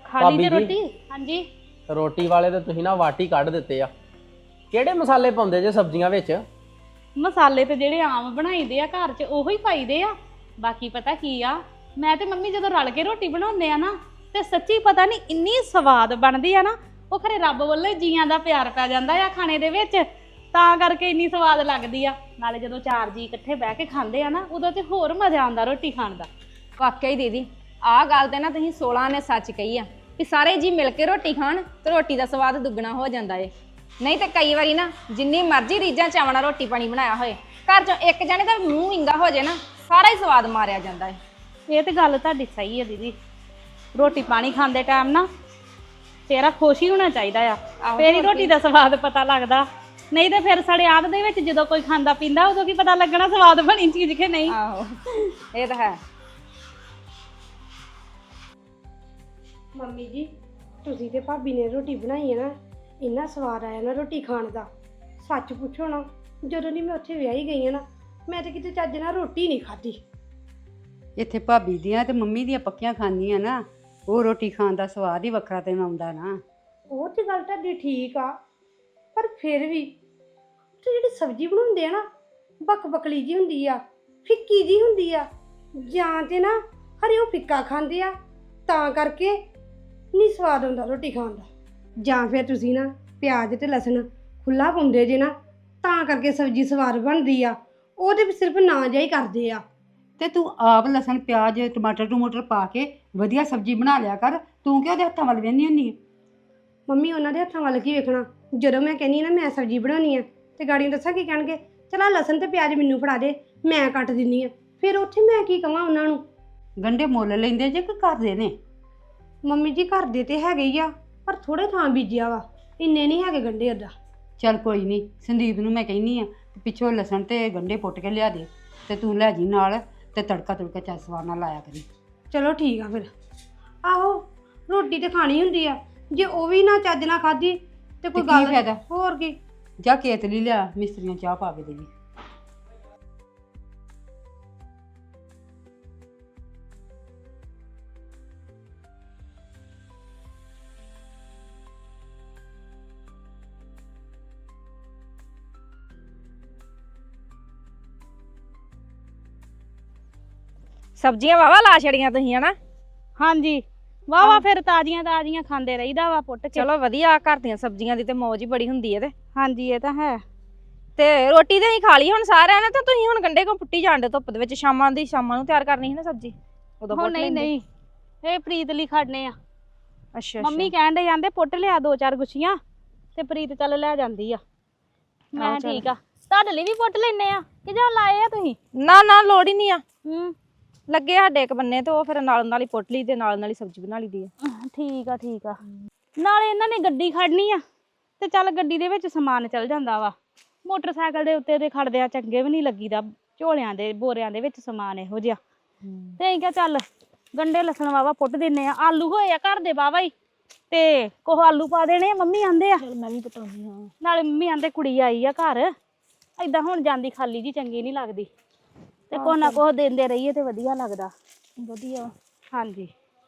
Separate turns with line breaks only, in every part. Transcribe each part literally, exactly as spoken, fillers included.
ਖਾ ਲਈ
ਭਾਬੀ
ਤੇ
ਜੀ
ਰੋਟੀ। ਹਾਂਜੀ
ਰੋਟੀ ਵਾਲੇ ਤੇ ਤੁਸੀਂ ਨਾ ਵਾਟੀ ਕੱਢ ਦਿੱਤੇ ਆ। ਕਿਹੜੇ ਮਸਾਲੇ ਪਾਉਂਦੇ ਜੇ ਸਬਜ਼ੀਆਂ ਵਿੱਚ?
ਮਸਾਲੇ ਤੇ ਜਿਹੜੇ ਆਮ ਬਣਾਈਦੇ ਆ ਘਰ 'ਚ ਉਹੀ ਪਾਈਦੇ ਆ। ਬਾਕੀ ਪਤਾ ਕੀ ਆ, ਮੈਂ ਤੇ ਮੰਮੀ ਜਦੋਂ ਰਲ ਕੇ ਰੋਟੀ ਬਣਾਉਂਦੇ ਆ ਨਾ ਤੇ ਸੱਚੀ ਪਤਾ ਨਹੀਂ ਇੰਨੀ ਸਵਾਦ ਬਣਦੀ ਆ ਨਾ, ਉਹ ਖਰੇ ਰੱਬ ਵੱਲੋਂ ਜੀਆਂ ਦਾ ਪਿਆਰ ਪੈ ਜਾਂਦਾ ਆ ਖਾਣੇ ਦੇ ਵਿੱਚ, ਤਾਂ ਕਰਕੇ ਇੰਨੀ ਸਵਾਦ ਲੱਗਦੀ ਆ। ਨਾਲੇ ਜਦੋਂ ਚਾਰ ਜੀ ਇਕੱਠੇ ਬਹਿ ਕੇ ਖਾਂਦੇ ਆ ਨਾ, ਉਦੋਂ ਤੇ ਹੋਰ ਮਜ਼ਾ ਆਉਂਦਾ ਰੋਟੀ ਖਾਣ ਦਾ।
ਵਾਕਿਆ ਹੀ ਦੀਦੀ, ਆਹ ਗੱਲ ਤੇ ਨਾ ਤੁਸੀਂ ਸੋਲਾਂ ਨੇ ਸੱਚ ਕਹੀ ਆ ਕਿ ਸਾਰੇ ਜੀ ਮਿਲ ਕੇ ਰੋਟੀ ਖਾਣ ਤੇ ਰੋਟੀ ਦਾ ਸਵਾਦ ਦੁੱਗਣਾ ਹੋ ਜਾਂਦਾ ਏ। ਨਹੀਂ ਤੇ ਕਈ ਵਾਰੀ ਨਾ ਜਿੰਨੀ ਮਰਜ਼ੀ ਰੀਝਾਂ ਚਾਵਾਂ ਨਾਲ ਰੋਟੀ ਪਾਣੀ ਬਣਾਇਆ ਹੋਏ, ਘਰ ਚੋਂ ਇੱਕ ਜਣੇ ਦਾ ਮੂੰਹ ਵਿੰਗਾ ਹੋ ਜਾਏ ਨਾ, ਸਾਰਾ ਹੀ ਸਵਾਦ ਮਾਰਿਆ ਜਾਂਦਾ ਏ।
ਇਹ ਤੇ ਗੱਲ ਤੁਹਾਡੀ ਸਹੀ ਹੈ ਦੀਦੀ। ਰੋਟੀ ਪਾਣੀ ਖਾਂਦੇ ਟਾਈਮ ਨਾ ਤੇਰਾ ਖੁਸ਼ ਹੀ ਹੋਣਾ ਚਾਹੀਦਾ ਆ, ਫੇਰ ਹੀ ਰੋਟੀ ਦਾ ਸਵਾਦ ਪਤਾ ਲੱਗਦਾ। ਨਹੀਂ ਤੇ ਫਿਰ ਸਾਡੇ ਆਦ ਦੇ ਵਿੱਚ ਜਦੋਂ ਕੋਈ ਖਾਂਦਾ ਪੀਂਦਾ ਉਦੋਂ ਕੀ ਪਤਾ ਲੱਗਣਾ ਸਵਾਦ ਬਣੀ ਚੀਜ਼ ਕਿ ਨਹੀਂ।
ਆਹੋ ਇਹ ਤਾਂ ਹੈ।
ਮੰਮੀ ਜੀ, ਤੁਸੀਂ ਤੇ ਭਾਬੀ ਨੇ ਰੋਟੀ ਬਣਾਈ ਹੈ ਨਾ, ਇੰਨਾ ਸਵਾਦ ਆਇਆ ਨਾ ਰੋਟੀ ਖਾਣ ਦਾ। ਸੱਚ ਪੁੱਛੋ ਨਾ, ਜਦੋਂ ਦੀ ਮੈਂ ਉੱਥੇ ਵਿਆਹੀ ਗਈ ਹਾਂ ਨਾ, ਮੈਂ ਤਾਂ ਕਿਤੇ ਚੱਜ ਨਾਲ ਰੋਟੀ ਨਹੀਂ ਖਾਧੀ।
ਇੱਥੇ ਭਾਬੀ ਦੀਆਂ ਤੇ ਮੰਮੀ ਦੀਆਂ ਪੱਕੀਆਂ ਖਾਂਦੀਆਂ ਨਾ, ਉਹ ਰੋਟੀ ਖਾਣ ਦਾ ਸਵਾਦ ਹੀ ਵੱਖਰਾ ਤੈਨੂੰ ਆਉਂਦਾ ਨਾ।
ਉਹ ਤੇ ਗੱਲ ਤੁਹਾਡੀ ਠੀਕ ਆ, ਪਰ ਫਿਰ ਵੀ ਤੇ ਜਿਹੜੀ ਸਬਜ਼ੀ ਬਣਾਉਂਦੇ ਆ ਨਾ, ਬੱਕ ਬਕਲੀ ਜੀ ਹੁੰਦੀ ਆ, ਫਿੱਕੀ ਜੀ ਹੁੰਦੀ ਆ, ਜਾਂ ਤੇ ਨਾ ਹਰੇ ਉਹ ਫਿੱਕਾ ਖਾਂਦੇ ਆ ਤਾਂ ਕਰਕੇ ਨਹੀਂ ਸਵਾਦ ਆਉਂਦਾ ਰੋਟੀ ਖਾਣ ਦਾ, ਜਾਂ ਫਿਰ ਤੁਸੀਂ ਨਾ ਪਿਆਜ਼ ਤੇ ਲਸਣ ਖੁੱਲਾ ਪਾਉਂਦੇ ਜੇ ਨਾ, ਤਾਂ ਕਰਕੇ ਸਬਜ਼ੀ ਸਵਾਦ ਬਣਦੀ ਆ। ਉਹਦੇ ਵੀ ਸਿਰਫ ਨਾਂ ਜਿਹਾ ਹੀ ਕਰਦੇ ਆ।
ਤੇ ਤੂੰ ਆਪ ਲਸਣ ਪਿਆਜ਼ ਟਮਾਟਰ ਟਮੂਟਰ ਪਾ ਕੇ ਵਧੀਆ ਸਬਜ਼ੀ ਬਣਾ ਲਿਆ ਕਰ, ਤੂੰ ਕਿਉਂ ਉਹਦੇ ਹੱਥਾਂ ਵੱਲ ਵੇਖਦੀ ਹੁੰਦੀ?
ਮੰਮੀ ਉਹਨਾਂ ਦੇ ਹੱਥਾਂ ਵੱਲ ਕੀ ਵੇਖਣਾ, ਜਦੋਂ ਮੈਂ ਕਹਿੰਦੀ ਨਾ ਮੈਂ ਸਬਜ਼ੀ ਬਣਾਉਣੀ ਆ ਤੇ ਗਾੜੀਆਂ ਦੱਸਾਂ ਕੀ ਕਹਿਣਗੇ, ਚਲਾ ਲਸਣ ਤੇ ਪਿਆਜ਼ ਮੈਨੂੰ ਫੜਾ ਦੇ, ਮੈਂ ਕੱਟ ਦਿੰਦੀ ਆ। ਫਿਰ ਉੱਥੇ ਮੈਂ ਕੀ ਕਹਾਂ ਉਹਨਾਂ ਨੂੰ?
ਗੰਢੇ ਮੁੱਲ ਲੈਂਦੇ ਜੇ ਕਿ ਕਰਦੇ ਨੇ?
ਮੰਮੀ ਜੀ ਘਰ ਦੇ ਤੇ ਹੈਗੇ ਹੀ ਆ, ਪਰ ਥੋੜੇ ਥਾਂ ਬੀਜਿਆ ਵਾ, ਇੰਨੇ ਨਹੀਂ ਹੈਗੇ ਗੰਢੇ ਅੱਦਾ।
ਚੱਲ ਕੋਈ ਨਹੀਂ, ਸੰਦੀਪ ਨੂੰ ਮੈਂ ਕਹਿੰਦੀ ਆ ਪਿੱਛੋਂ ਲਸਣ ਤੇ ਗੰਢੇ ਪੁੱਟ ਕੇ ਲਿਆ ਦੇ, ਤੇ ਤੂੰ ਲੈ ਜੀ ਨਾਲ, ਤੇ ਤੜਕਾ ਤੁੜਕਾ ਚੱਲ ਸਵਾਦ ਨਾਲ ਲਾਇਆ ਕਰੀ।
ਚਲੋ ਠੀਕ ਆ ਫਿਰ। ਆਹੋ ਰੋਟੀ ਤੇ ਖਾਣੀ ਹੁੰਦੀ ਆ, ਜੇ ਉਹ ਵੀ ਨਾ ਚੱਜ ਨਾਲ ਖਾਧੀ ਤੇ ਕੋਈ
ਕੀ
ਗੱਲ
ਫਾਇਦਾ?
ਹੋਰ ਕੀ।
ਜਾ ਕੇਤਲੀ ਲਿਆ, ਮਿਸਤਰੀਆਂ ਚਾਹ ਪਾ ਕੇ ਦੇਗੀ।
ਸਬਜ਼ੀਆਂ ਵਾਵਾ ਲਾ ਛੜੀਆਂ ਤੁਸੀਂ ਹਨਾ?
ਹਾਂਜੀ ਵਾਹ ਵਾਹ, ਫਿਰ ਤਾਜ਼ੀਆਂ ਤਾਜ਼ੀਆਂ ਖਾਂਦੇ ਰਹੀਦਾ ਵਾ ਪੁੱਟ ਕੇ।
ਚਲੋ ਵਧੀਆ, ਘਰ ਦੀਆਂ ਸਬਜ਼ੀਆਂ ਦੀ ਤੇ ਮੌਜ ਹੀ ਬੜੀ ਹੁੰਦੀ ਹੈ। ਤੇ
ਹਾਂਜੀ ਇਹ ਤਾਂ ਹੈ।
ਤੇ ਰੋਟੀ ਤੇ ਅਸੀਂ ਖਾ ਲਈ ਹੁਣ ਸਾਰਿਆਂ ਨੇ, ਤੇ ਤੁਸੀਂ ਹੁਣ ਗੰਡੇ ਕਿਉਂ ਪੁੱਟੀ ਜਾਂਦੇ ਧੁੱਪ ਦੇ ਵਿੱਚ? ਸ਼ਾਮਾਂ ਦੀ ਸ਼ਾਮਾਂ ਨੂੰ ਤਿਆਰ ਕਰਨੀ ਸੀ ਨਾ ਸਬਜ਼ੀ, ਉਦੋਂ
ਹੋ
ਪੁੱਟ
ਨਹੀਂ
ਲੈਂਦੇ।
ਨਹੀਂ, ਇਹ ਪ੍ਰੀਤ ਲਈ ਖੜਨੇ ਆ।
ਅੱਛਾ
ਮੰਮੀ ਕਹਿਣ ਦੇ ਜਾਂਦੇ ਪੁੱਟ ਲਿਆ ਦੋ ਚਾਰ ਗੁੱਛੀਆਂ, ਤੇ ਪ੍ਰੀਤ ਚੱਲ ਲੈ ਜਾਂਦੀ ਆ। ਮੈਂ
ਚੱਲ।
ਠੀਕ ਆ, ਤੁਹਾਡੇ ਲਈ ਵੀ ਪੁੱਟ ਲੈਨੇ ਆ ਕਿ ਜਾਂ ਲਾਏ ਆ ਤੁਸੀਂ?
ਨਾ ਨਾ ਲੋੜ ਹੀ ਨਹੀਂ ਆ,
ਹੂੰ
ਲੱਗੇ ਸਾਡੇ ਇੱਕ ਬੰਨੇ, ਤੇ ਉਹ ਫਿਰ ਨਾਲ ਨਾਲ ਹੀ ਪੁੱਟ ਲਈ ਤੇ ਨਾਲ ਨਾਲ ਹੀ ਸਬਜ਼ੀ ਬਣਾ ਲਈਦੀ ਆ।
ਠੀਕ ਆ ਠੀਕ ਆ। ਨਾਲੇ ਇਹਨਾਂ ਨੇ ਗੱਡੀ ਖੜਨੀ ਆ, ਤੇ ਚੱਲ ਗੱਡੀ ਦੇ ਵਿੱਚ ਸਮਾਨ ਚੱਲ ਜਾਂਦਾ ਵਾ। ਮੋਟਰਸਾਈਕਲ ਦੇ ਉੱਤੇ ਦੇ ਖੜਦੇ ਆ ਚੰਗੇ ਵੀ ਨਹੀਂ ਲੱਗੀਦਾ, ਝੋਲਿਆਂ ਦੇ ਬੋਰਿਆਂ ਦੇ ਵਿੱਚ ਸਮਾਨ ਇਹੋ ਜਿਹਾ। ਤੇ ਅਸੀਂ ਕਿਹਾ ਚੱਲ ਗੰਡੇ ਲਸਣ ਵਾਵਾ ਪੁੱਟ ਦਿੰਨੇ ਆ। ਆਲੂ ਹੋਏ ਆ ਘਰ ਦੇ ਵਾਵਾ ਹੀ, ਤੇ ਕੋਹ ਆਲੂ ਪਾ ਦੇਣੇ ਆ, ਮੰਮੀ ਆਂਦੇ ਆ।
ਮੈਂ ਵੀ ਪਟਾਉਣੀ ਹਾਂ।
ਨਾਲੇ ਮੰਮੀ ਆਂਦੇ ਕੁੜੀ ਆਈ ਆ ਘਰ, ਏਦਾਂ ਹੁਣ ਜਾਂਦੀ ਖਾਲੀ ਜੀ ਚੰਗੀ ਨਹੀਂ ਲੱਗਦੀ, ਤੇ ਕੋਹ ਨਾ ਕੋਹ ਦਿੰਦੇ ਰਹੀਏ ਤੇ ਵਧੀਆ ਲੱਗਦਾ।
ਵਧੀਆ।
ਹਾਂਜੀ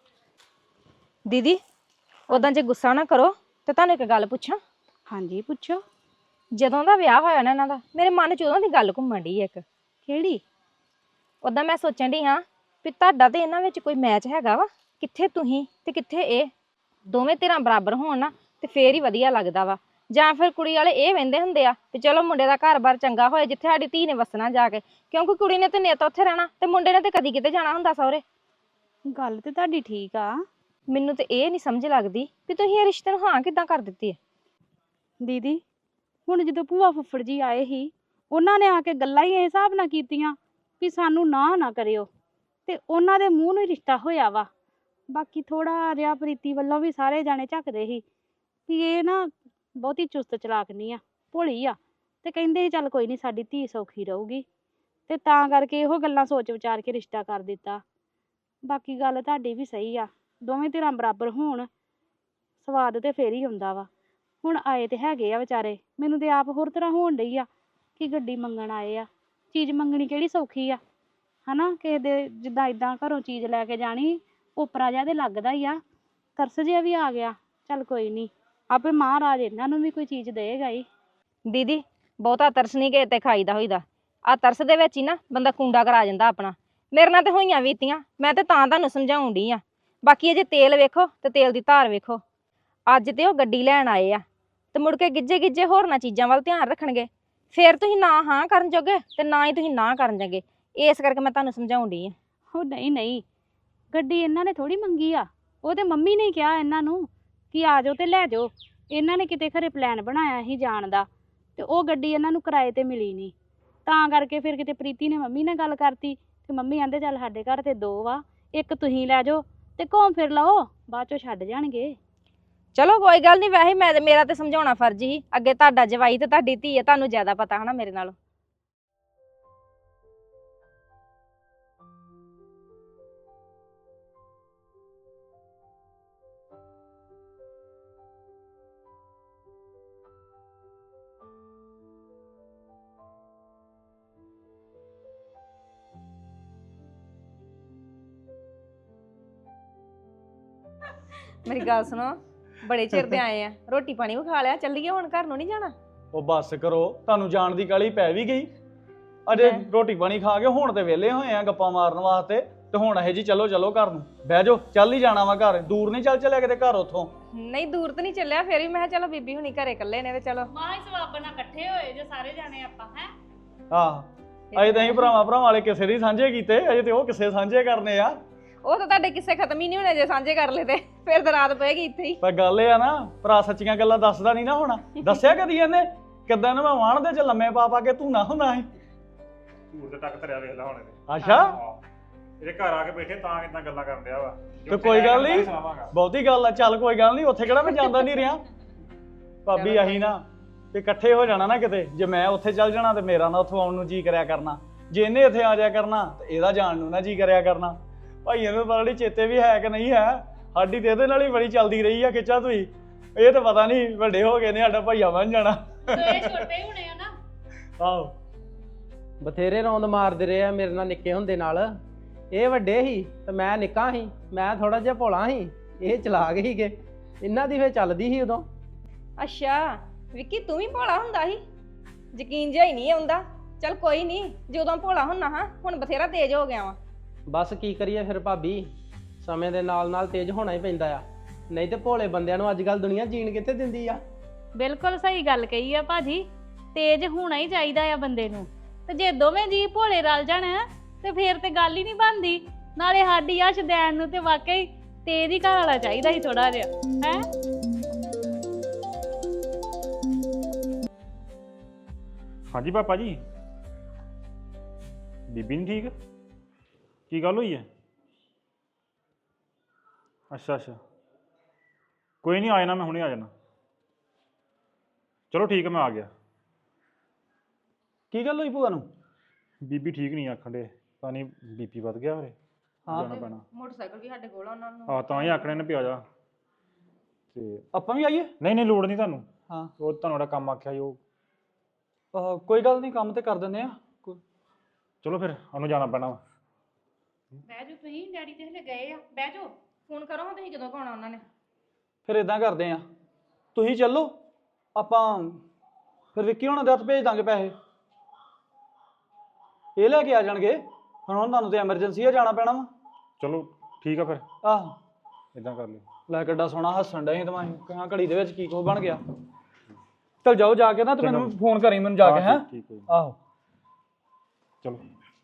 ਦੀਦੀ ਉਦਾਂ ਜੇ ਗੁੱਸਾ ਨਾ ਕਰੋ ਤੇ ਤੁਹਾਨੂੰ ਇੱਕ ਗੱਲ ਪੁੱਛਾਂ?
ਹਾਂਜੀ ਪੁੱਛੋ।
ਜਦੋਂ ਦਾ ਵਿਆਹ ਹੋਇਆ ਨਾ ਇਹਨਾਂ ਦਾ, ਮੇਰੇ ਮਨ 'ਚ ਉਦੋਂ ਦੀ ਗੱਲ ਘੁੰਮਣ ਡਈ ਇੱਕ।
ਕਿਹੜੀ?
ਉਦਾਂ ਮੈਂ ਸੋਚਣ ਡਈ ਹਾਂ ਵੀ ਤੁਹਾਡਾ ਤੇ ਇਹਨਾਂ ਵਿੱਚ ਕੋਈ ਮੈਚ ਹੈਗਾ ਵਾ, ਕਿੱਥੇ ਤੁਸੀਂ ਤੇ ਕਿੱਥੇ ਇਹ, ਦੋਵੇਂ ਧਿਰਾਂ ਬਰਾਬਰ ਹੋਣ ਨਾ ਤੇ ਫੇਰ ਹੀ ਵਧੀਆ ਲੱਗਦਾ ਵਾ। ਜਾਂ ਫਿਰ ਕੁੜੀ ਵਾਲੇ ਇਹ ਵਹਿੰਦੇ ਹੁੰਦੇ ਆ ਵੀ ਚਲੋ ਮੁੰਡੇ ਦਾ ਘਰ-ਬਾਰ ਚੰਗਾ ਹੋਏ, ਜਿੱਥੇ ਸਾਡੀ ਧੀ ਨੇ ਵਸਣਾ ਜਾ ਕੇ, ਕਿਉਂਕਿ ਕੁੜੀ ਨੇ ਤੇ ਨਿੱਤ ਉੱਥੇ ਰਹਿਣਾ ਤੇ ਮੁੰਡੇ ਨੇ ਤੇ ਕਦੀ ਕਿਤੇ ਜਾਣਾ ਹੁੰਦਾ ਸਹੁਰੇ।
ਗੱਲ ਤੇ ਤੁਹਾਡੀ ਠੀਕ ਆ।
ਮੈਨੂੰ ਤੇ ਇਹ ਨਹੀਂ ਸਮਝ ਲੱਗਦੀ ਵੀ ਤੁਸੀਂ ਇਹ ਰਿਸ਼ਤੇ ਨੂੰ ਹਾਂ ਕਿੱਦਾਂ ਕਰ ਦਿੱਤੀ ਹੈ।
ਦੀਦੀ ਹੁਣ ਜਦੋਂ ਭੂਆ ਫੁੱਫੜ ਜੀ ਆਏ ਸੀ, ਉਹਨਾਂ ਨੇ ਆ ਕੇ ਗੱਲਾਂ ਹੀ ਇਸ ਹਿਸਾਬ ਨਾਲ ਕੀਤੀਆਂ ਵੀ ਸਾਨੂੰ ਨਾ ਨਾ ਕਰਿਓ, ਤੇ ਉਹਨਾਂ ਦੇ ਮੂੰਹ ਨੂੰ ਹੀ ਰਿਸ਼ਤਾ ਹੋਇਆ ਵਾ। ਬਾਕੀ ਥੋੜਾ ਜਿਹਾ ਪ੍ਰੀਤੀ ਵੱਲੋਂ ਵੀ ਸਾਰੇ ਜਾਣੇ ਝੱਕਦੇ ਸੀ ਵੀ ਇਹ ਨਾ ਬਹੁਤੀ ਚੁਸਤ ਚਲਾਕ ਨਹੀਂ ਆ, ਭੋਲੀ ਆ, ਤੇ ਕਹਿੰਦੇ ਸੀ ਚੱਲ ਕੋਈ ਨਹੀਂ ਸਾਡੀ ਧੀ ਸੌਖੀ ਰਹੂਗੀ, ਤੇ ਤਾਂ ਕਰਕੇ ਇਹੋ ਗੱਲਾਂ ਸੋਚ ਵਿਚਾਰ ਕੇ ਰਿਸ਼ਤਾ ਕਰ ਦਿੱਤਾ। ਬਾਕੀ ਗੱਲ ਤੁਹਾਡੀ ਵੀ ਸਹੀ ਆ, ਦੋਵੇਂ ਧਿਰਾਂ ਬਰਾਬਰ ਹੋਣ ਸਵਾਦ ਤੇ ਫੇਰ ਹੀ ਹੁੰਦਾ ਵਾ। ਹੁਣ ਆਏ ਤੇ ਹੈਗੇ ਆ ਵਿਚਾਰੇ, ਮੈਨੂੰ ਤੇ ਆਪ ਹੋਰ ਤਰ੍ਹਾਂ ਹੋਣ ਡਈ ਆ ਕਿ ਗੱਡੀ ਮੰਗਣ ਆਏ ਆ। ਚੀਜ਼ ਮੰਗਣੀ ਕਿਹੜੀ ਸੌਖੀ ਆ ਹਨਾ? ਕਿਸੇ ਦੇ ਜਿੱਦਾਂ ਇਦਾਂ ਘਰੋਂ ਚੀਜ਼ ਲੈ ਕੇ ਜਾਣੀ, ਓਪਰਾ ਜਿਹਾ ਤੇ ਲੱਗਦਾ ਹੀ ਆ, ਤਰਸ ਜਿਹਾ ਵੀ ਆ ਗਿਆ। ਚੱਲ ਕੋਈ ਨਹੀਂ, ਆਪੇ ਮਹਾਰਾਜ ਇਹਨਾਂ ਨੂੰ ਵੀ ਕੋਈ ਚੀਜ਼ ਦੇਗਾ ਹੀ।
ਦੀਦੀ ਬਹੁਤਾ ਤਰਸ ਨਹੀਂ ਕਿਸੇ ਤੇ ਖਾਈਦਾ ਹੋਈਦਾ। ਆ ਤਰਸ ਦੇ ਵਿੱਚ ਹੀ ਨਾ ਬੰਦਾ ਕੁੰਡਾ ਕਰਾ ਜਾਂਦਾ ਆਪਣਾ। ਮੇਰੇ ਨਾਲ ਤੇ ਹੋਈਆਂ ਬੀਤੀਆਂ, ਮੈਂ ਤੇ ਤਾਂ ਤੁਹਾਨੂੰ ਸਮਝਾਉਣ ਡਈ ਆ। ਬਾਕੀ ਅਜੇ ਤੇਲ ਵੇਖੋ ਤੇ ਤੇਲ ਦੀ ਧਾਰ ਵੇਖੋ। ਅੱਜ ਤੇ ਉਹ ਗੱਡੀ ਲੈਣ ਆਏ ਆ ਤੇ ਮੁੜ ਕੇ ਗਿੱਜੇ ਗਿੱਜੇ ਹੋਰਨਾਂ ਚੀਜ਼ਾਂ ਵੱਲ ਧਿਆਨ ਰੱਖਣਗੇ। ਫਿਰ ਤੁਸੀਂ ਨਾ ਹਾਂ ਕਰਨ ਜੋਗੇ ਤੇ ਨਾ ਹੀ ਤੁਸੀਂ ਨਾ ਕਰਨ ਜੋਗੇ। ਇਸ ਕਰਕੇ ਮੈਂ ਤੁਹਾਨੂੰ ਸਮਝਾਉਣ ਡਈ ਆ।
ਉਹ ਨਹੀਂ ਨਹੀਂ, ਗੱਡੀ ਇਹਨਾਂ ਨੇ ਥੋੜੀ ਮੰਗੀ ਆ। ਉਹ ਤੇ ਮੰਮੀ ਨੇ ਕਿਹਾ ਇਹਨਾਂ ਨੂੰ ਕਿ ਆ ਜਾਓ ਤੇ ਲੈ ਜਾਓ। ਇਹਨਾਂ ਨੇ ਕਿਤੇ ਖਰੇ ਪਲਾਨ ਬਣਾਇਆ ਸੀ ਜਾਣ ਦਾ, ਤੇ ਉਹ ਗੱਡੀ ਇਹਨਾਂ ਨੂੰ ਕਿਰਾਏ ਤੇ ਮਿਲੀ ਨਹੀਂ। ਤਾਂ ਕਰਕੇ ਫਿਰ ਕਿਤੇ ਪ੍ਰੀਤੀ ਨੇ ਮੰਮੀ ਨਾਲ ਗੱਲ ਕਰਤੀ ਤੇ ਮੰਮੀ ਕਹਿੰਦੇ ਚੱਲ ਸਾਡੇ ਘਰ ਤੇ ਦੋ ਵਾ, ਇੱਕ ਤੁਸੀਂ ਲੈ ਜਾਓ ਤੇ ਘੁੰਮ ਫਿਰ ਲਓ, ਬਾਅਦ ਚੋਂ ਛੱਡ ਜਾਣਗੇ।
ਚਲੋ ਕੋਈ ਗੱਲ ਨਹੀਂ। ਵੈਸੇ ਮੈਂ ਮੇਰਾ ਤੇ ਸਮਝਾਉਣਾ ਫਰਜ਼ ਹੀ। ਅੱਗੇ ਤੁਹਾਡਾ ਜਵਾਈ ਤੇ ਤੁਹਾਡੀ ਧੀ ਹੈ, ਤੁਹਾਨੂੰ ਜ਼ਿਆਦਾ ਪਤਾ ਹਨਾ ਮੇਰੇ ਨਾਲੋਂ। ਮੇਰੀ ਗੱਲ ਸੁਣੋ, ਬੜੇ ਚਿਰ ਦੇ ਆਏ ਆ, ਰੋਟੀ ਪਾਣੀ ਵੀ ਖਾ ਲਿਆ, ਚੱਲੀਏ ਹੁਣ ਘਰ ਨੂੰ ਨਹੀਂ ਜਾਣਾ?
ਉਹ ਬੱਸ ਕਰੋ, ਤੁਹਾਨੂੰ ਜਾਣ ਦੀ ਕਾਹਲੀ ਪੈ ਵੀ ਗਈ। ਅਜੇ
ਮੈਂ-
ਰੋਟੀ ਪਾਣੀ ਖਾ ਕੇ ਹੁਣ ਤੇ ਵਿਹਲੇ ਹੋਏ ਆ ਗੱਪਾਂ ਮਾਰਨ ਵਾਸਤੇ, ਤੇ ਹੁਣ ਇਹ ਜੀ ਚਲੋ ਚਲੋ ਘਰ ਨੂੰ ਬਹਿ ਜਾਓ। ਚੱਲ ਹੀ ਜਾਣਾ ਵਾ ਘਰ, ਦੂਰ ਨਹੀਂ ਚੱਲ ਚੱਲਿਆ ਕਿਤੇ ਘਰ ਉੱਥੋਂ।
ਨਹੀਂ ਦੂਰ ਤਾਂ ਨਹੀਂ ਚੱਲਿਆ, ਫਿਰ ਵੀ ਮੈਂ ਕਿਹਾ ਚਲੋ ਬੀਬੀ ਹੁਣੀ ਘਰੇ ਇਕੱਲੇ ਨੇ ਤੇ ਚਲੋ।
ਮਾਂ ਇਸ ਸਵਾਬ ਨਾਲ ਇਕੱਠੇ ਹੋਏ ਜੇ ਸਾਰੇ ਜਾਣੇ ਆਪਾਂ ਹੈ।
ਆਹ ਅਜੇ ਤਾਂ ਅਸੀਂ ਭਰਾਵਾਂ ਭਰਾਵਾਂ ਵਾਲੇ ਕਿਸੇ ਦੀ ਸਾਂਝੇ ਕੀਤੇ, ਅਜੇ ਤੇ ਉਹ ਕਿਸੇ ਸਾਂਝੇ ਕਰਨੇ ਆ।
ਉਹ ਤਾਂ ਤੁਹਾਡੇ ਕਿਸੇ ਖਤਮ ਹੀ ਨਹੀਂ ਹੋਣੇ ਜੇ ਸਾਂਝੇ ਕਰ ਲਏ ਤੇ ਫਿਰ ਤਾਂ ਰਾਤ ਪਏਗੀ ਇੱਥੇ ਹੀ।
ਪਰ ਗੱਲ ਇਹ ਆ ਨਾ, ਭਰਾ ਸੱਚੀਆਂ ਗੱਲਾਂ ਦੱਸਦਾ ਨਹੀਂ ਨਾ ਹੋਣਾ। ਦੱਸਿਆ ਕਦੀ ਇਹਨੇ ਕਿੱਦਾਂ ਨਾ ਮੈਂ ਵਾਣ ਦੇ ਚ ਲੰਮੇ ਪਾ ਪਾ ਕੇ ਤੂੰ ਨਾ ਹੁੰਦਾ ਸੀ।
ਧੂੜ ਦੇ ਤੱਕ ਧਰਿਆ ਵੇਖ ਲਾ ਹੁਣ ਇਹਦੇ।
ਅੱਛਾ,
ਆਹ, ਇਹਦੇ ਘਰ ਆ ਕੇ ਬੈਠੇ ਤਾਂ ਕਿਦਾਂ ਗੱਲਾਂ ਕਰਨ ਡਿਆ ਵਾ।
ਤੇ ਕੋਈ ਗੱਲ ਨਹੀਂ,
ਸੁਣਾਵਾਂਗਾ।
ਬਹੁਤੀ ਗੱਲ ਆ। ਚੱਲ ਕੋਈ ਗੱਲ ਨਹੀਂ, ਉੱਥੇ ਕਿਹੜਾ ਮੈਂ ਜਾਂਦਾ ਨਹੀਂ ਰਿਹਾ। ਭਾਬੀ ਆਹੀ ਨਾ ਤੇ ਇਕੱਠੇ ਹੋ ਜਾਣਾ ਨਾ ਕਿਤੇ। ਜੇ ਮੈਂ ਉੱਥੇ ਚੱਲ ਜਾਣਾ ਤੇ ਮੇਰਾ ਨਾ ਉੱਥੋਂ ਆਉਣ ਨੂੰ ਜੀ ਕਰਿਆ ਕਰਨਾ, ਜੇ ਇਹਨੇ ਇੱਥੇ ਆ ਜਾਇਆ ਕਰਨਾ ਤੇ ਇਹਦਾ ਜਾਣ ਨੂੰ ਨਾ ਜੀ ਕਰਿਆ ਕਰਨਾ। ਭਾਈ ਇਹਨੂੰ ਪਤਾ ਨਹੀਂ ਚੇਤੇ ਵੀ ਹੈ ਕਿ ਨਹੀਂ ਹੈ। ਸਾਡੀ ਤੇ ਇਹਦੇ ਨਾਲ ਹੀ ਬੜੀ ਚੱਲਦੀ ਰਹੀ ਆ ਖਿੱਚਾ ਤੁਈ। ਇਹ ਤਾਂ ਪਤਾ ਨਹੀਂ ਵੱਡੇ ਹੋ ਗਏ ਨੇ ਸਾਡਾ ਭਾਈਆ ਬਣ ਜਾਣਾ।
ਇਹ ਛੋਟੇ ਹੀ ਹੋਣੇ ਆ ਨਾ।
ਆਹੋ,
ਬਥੇਰੇ ਰੌਂਦ ਮਾਰਦੇ ਰਹੇ ਆ ਮੇਰੇ ਨਾਲ ਨਿੱਕੇ ਹੁੰਦੇ ਨਾਲ। ਇਹ ਵੱਡੇ ਸੀ ਤੇ ਮੈਂ ਨਿੱਕਾ ਸੀ, ਮੈਂ ਥੋੜਾ ਜਿਹਾ ਭੋਲਾ ਸੀ, ਇਹ ਚਲਾਕ ਸੀਗੇ। ਇਹਨਾਂ ਦੀ ਫੇਰ ਚੱਲਦੀ ਸੀ ਉਦੋਂ।
ਅੱਛਾ ਵਿੱਕੀ ਤੂੰ ਵੀ ਭੋਲਾ ਹੁੰਦਾ ਸੀ? ਯਕੀਨ ਜਿਹਾ ਹੀ ਨਹੀਂ ਆਉਂਦਾ। ਚੱਲ ਕੋਈ ਨਹੀਂ, ਜਦੋਂ ਭੋਲਾ ਹੁੰਨਾ ਹਾਂ ਹੁਣ ਬਥੇਰਾ ਤੇਜ਼ ਹੋ ਗਿਆ ਵਾ।
ਬਸ ਕੀ ਕਰੀਏ ਫਿਰ ਭਾਬੀ, ਸਮੇਂ ਦੇ ਨਾਲ ਨਾਲ ਤੇਜ਼ ਹੋਣਾ ਹੀ ਪੈਂਦਾ ਆ। ਨਹੀਂ ਤੇ ਭੋਲੇ ਬੰਦਿਆਂ ਨੂੰ ਅੱਜ ਕੱਲ ਦੁਨੀਆ ਜੀਣ ਕਿੱਥੇ ਦਿੰਦੀ ਆ।
ਬਿਲਕੁਲ ਸਹੀ ਗੱਲ ਕਹੀ ਆ ਭਾਜੀ, ਤੇਜ਼ ਹੋਣਾ ਹੀ ਚਾਹੀਦਾ ਆ ਬੰਦੇ ਨੂੰ। ਤੇ ਜੇ ਦੋਵੇਂ ਜੀ ਭੋਲੇ ਰਲ ਜਾਣ ਤੇ ਫੇਰ ਤੇ ਗੱਲ ਹੀ ਨਹੀਂ ਬਣਦੀ। ਨਾਲੇ ਸਾਡੀ ਆ ਸ਼ਦੈਨ ਨੂੰ ਤੇ ਵਾਕਈ ਤੇਜ਼ ਹੀ ਘਰ ਵਾਲਾ ਚਾਹੀਦਾ ਸੀ ਥੋੜਾ ਜਿਹਾ, ਹੈ।
ਹਾਂਜੀ ਪਾਪਾ ਜੀ, ਬੀਬੀ ਨਹੀਂ ਠੀਕ? ਕੀ ਗੱਲ ਹੋਈ ਹੈ? ਅੱਛਾ ਅੱਛਾ, ਕੋਈ ਨਹੀਂ, ਆ ਜਾਣਾ ਮੈਂ, ਹੁਣੇ ਆ ਜਾਣਾ। ਚਲੋ ਠੀਕ ਹੈ, ਮੈਂ ਆ ਗਿਆ।
ਕੀ ਗੱਲ ਹੋਈ ਭੂਆ ਨੂੰ?
ਬੀਬੀ ਠੀਕ ਨਹੀਂ ਆਖਣ ਦੇ, ਤਾਂ ਨਹੀਂ ਬੀਪੀ ਵੱਧ ਗਿਆ ਹੋਰੇ,
ਹਾਂ
ਜਾਣਾ ਪੈਣਾ।
ਮੋਟਰਸਾਈਕਲ ਵੀ ਸਾਡੇ ਕੋਲ ਆ ਉਹਨਾਂ ਨੂੰ।
ਆ ਤਾਂ ਹੀ ਆਖਣੇ ਨੇ ਪਿਆ ਜਾ। ਤੇ
ਆਪਾਂ ਵੀ ਆਈਏ?
ਨਹੀਂ ਨਹੀਂ ਲੋੜ ਨਹੀਂ ਤੁਹਾਨੂੰ,
ਹਾਂ,
ਉਹ ਤੁਹਾਨੂੰ ਜਿਹੜਾ ਕੰਮ ਆਖਿਆ ਸੀ ਉਹ।
ਆਹ, ਕੋਈ ਗੱਲ ਨਹੀਂ, ਕੰਮ ਤੇ ਕਰ ਦਿੰਦੇ ਆ।
ਚਲੋ ਫਿਰ ਉਹਨੂੰ ਜਾਣਾ ਪੈਣਾ ਵਾ।
ਬਹਿ ਜਾਓ ਤੁਸੀਂ, ਡੈਡੀ ਤੇ ਹਲੇ ਗਏ ਆ, ਬਹਿ ਜਾਓ।
ਫੋਨ ਕਰੋ ਹਾਂ, ਤੁਸੀਂ ਕਦੋਂ ਕੋਣਾ ਉਹਨਾਂ ਨੇ?
ਫਿਰ ਇਦਾਂ ਕਰਦੇ ਆ, ਤੁਸੀਂ ਚੱਲੋ, ਆਪਾਂ ਫਿਰ ਵਿੱਕੀ ਹੋਣਾ ਦੇ ਹੱਥ ਭੇਜ ਦਾਂਗੇ ਪੈਸੇ, ਇਹ ਲੈ ਕੇ ਆ ਜਾਣਗੇ। ਹੁਣ ਹੁਣ ਤੁਹਾਨੂੰ ਤੇ ਐਮਰਜੈਂਸੀ ਆ, ਜਾਣਾ ਪੈਣਾ ਵਾ।
ਚਲੋ ਠੀਕ ਆ ਫਿਰ,
ਆਹ
ਇਦਾਂ ਕਰ ਲਿਓ।
ਲੈ ਕਿੱਡਾ ਸੋਹਣਾ ਹੱਸਣ ਡਏ ਤਾਂ ਮੈਂ ਕਹਾਂ ਘੜੀ ਦੇ ਵਿੱਚ ਕੀ ਕੁਛ ਬਣ ਗਿਆ। ਚਲ ਜਾਓ, ਜਾ ਕੇ ਨਾ ਤੇ ਮੈਨੂੰ ਫੋਨ ਕਰੀ, ਮੈਨੂੰ ਜਾ ਕੇ। ਹੈ
ਠੀਕ ਠੀਕ ਹੈ ਜੀ।
ਆਹੋ,
ਚਲੋ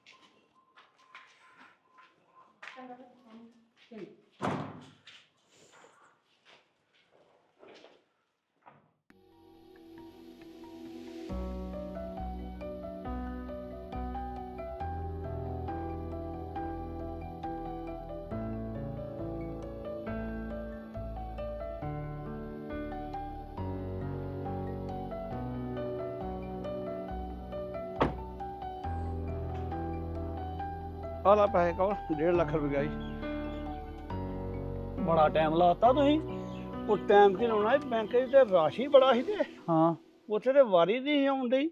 ਆਹ ਲਾ ਪੈਸੇ ਕੋਲ ਡੇਢ ਲੱਖ ਰੁਪਏ ਗਈ।
ਬੜਾ ਟਾਈਮ ਲਾਤਾ ਤੁਸੀਂ।
ਉਹ ਟਾਈਮ ਕੀ ਲਾਉਣਾ, ਬੈਂਕ ਦੀ ਤੇ ਰਾਸ਼ੀ ਬੜਾ ਸੀ ਤੇ
ਹਾਂ,
ਉੱਥੇ ਤੇ ਵਾਰੀ ਨਹੀਂ ਸੀ ਆਉਣ ਡਈ।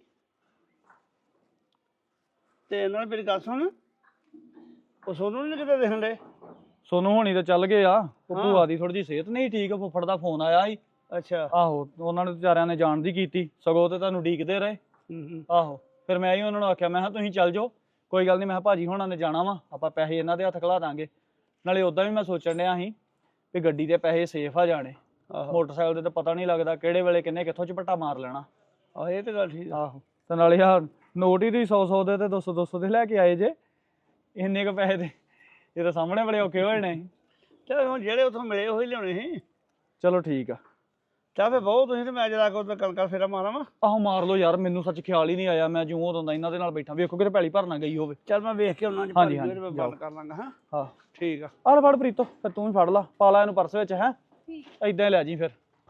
ਤੇ ਇਹਨਾਂ ਨੇ ਮੇਰੀ ਗੱਲ ਸੁਣ, ਉਹ ਸੋਨੂੰ ਨਹੀਂ ਕਿਤੇ ਦੇਖਣ ਡੇ।
ਸੋਨੂੰ ਹੋਣੀ ਤਾਂ ਚੱਲ ਗਏ ਆ ਉਹ
ਹਾਂ।
ਭੂਆ ਦੀ ਥੋੜੀ ਜਿਹੀ ਸਿਹਤ ਨਹੀਂ ਠੀਕ, ਫੁੱਫੜ ਦਾ ਫੋਨ ਆਇਆ ਸੀ।
ਅੱਛਾ।
ਆਹੋ ਉਹਨਾਂ ਨੇ ਵਿਚਾਰਿਆਂ ਨੇ ਜਾਣ ਦੀ ਕੀਤੀ, ਸਗੋਂ ਤੇ ਤੁਹਾਨੂੰ ਉਡੀਕਦੇ ਰਹੇ।
ਹੂੰ ਹੂੰ।
ਆਹੋ ਫਿਰ ਮੈਂ ਹੀ ਉਹਨਾਂ ਨੂੰ ਆਖਿਆ, ਮੈਂ ਕਿਹਾ ਤੁਸੀਂ ਚੱਲ ਜਾਓ, ਕੋਈ ਗੱਲ ਨਹੀਂ। ਮੈਂ ਕਿਹਾ ਭਾਜੀ ਹੋਣਾ ਨੇ ਜਾਣਾ ਵਾ, ਆਪਾਂ ਪੈਸੇ ਇਹਨਾਂ ਦੇ ਹੱਥ ਖਿਲਾ ਦਾਂਗੇ। ਨਾਲੇ ਉਦਾਂ ਵੀ ਮੈਂ ਸੋਚਣ ਡਿਆ ਸੀ ਵੀ ਗੱਡੀ ਦੇ ਪੈਸੇ ਸੇਫ ਆ ਜਾਣੇ,
ਆਹੋ
ਮੋਟਰਸਾਈਕਲ ਦੇ ਤਾਂ ਪਤਾ ਨਹੀਂ ਲੱਗਦਾ ਕਿਹੜੇ ਵੇਲੇ ਕਿੰਨੇ ਕਿੱਥੋਂ ਝਪੱਟਾ ਮਾਰ ਲੈਣਾ।
ਆਹ ਇਹ ਤਾਂ ਗੱਲ ਠੀਕ ਆ।
ਆਹੋ ਤੇ ਨਾਲੇ ਆ ਨੋਟ ਹੀ ਤੁਸੀਂ ਸੌ ਸੌ ਦੇ ਤੇ ਦੋ ਸੌ ਦੋ ਸੌ ਦੇ ਲੈ ਕੇ ਆਏ ਜੇ, ਇੰਨੇ ਕੁ ਪੈਸੇ ਦੇ ਇਹ ਤਾਂ ਸਾਹਮਣੇ ਬੜੇ ਔਖੇ ਹੋਏ ਨੇ।
ਚੱਲ ਹੁਣ ਜਿਹੜੇ ਉੱਥੋਂ ਮਿਲੇ ਉਹੀ ਲਿਆਉਣੇ ਸੀ।
ਚਲੋ ਠੀਕ ਆ।
ਚੱਲ ਫਿਰ ਬਹੁਤ ਤੁਸੀਂ ਤੇ ਮੈਂ ਜਰਾ ਕੋ ਤਾਂ ਕਣਕਾਂ ਫੇਰਾ ਮਾਰਾਂ ਵਾ।
ਆਹੋ ਮਾਰ ਲਓ ਯਾਰ, ਮੈਨੂੰ ਸੱਚ ਖਿਆਲ ਹੀ ਨਹੀਂ ਆਇਆ, ਮੈਂ ਜਿਉਂ ਉਦੋਂ ਦਾ ਇਹਨਾਂ ਦੇ ਨਾਲ ਬੈਠਾ, ਵੇਖੋ ਕਿਤੇ ਪੈਲੀ ਭਰਨਾ ਗਈ ਹੋਵੇ।
ਚੱਲ ਮੈਂ ਵੇਖ ਕੇ ਉਹਨਾਂ ਚ
ਹਾਂਜੀ,
ਭਰ
ਹਾਂਜੀ,
ਮੈਂ
ਜਾਓ।
ਬੰਦ ਕਰ ਲਾਂਗਾ। ਹਾਂ
ਹਾਂ
ਠੀਕ ਆ।
ਆਹ ਲੈ ਫੜ ਪ੍ਰੀਤੋ, ਫਿਰ ਤੂੰ ਵੀ ਫੜ ਲਾ, ਪਾ ਲਾ ਇਹਨੂੰ ਪਰਸ ਵਿੱਚ। ਹੈ ਏਦਾਂ ਹੀ ਲੈ ਜੀ ਫਿਰ।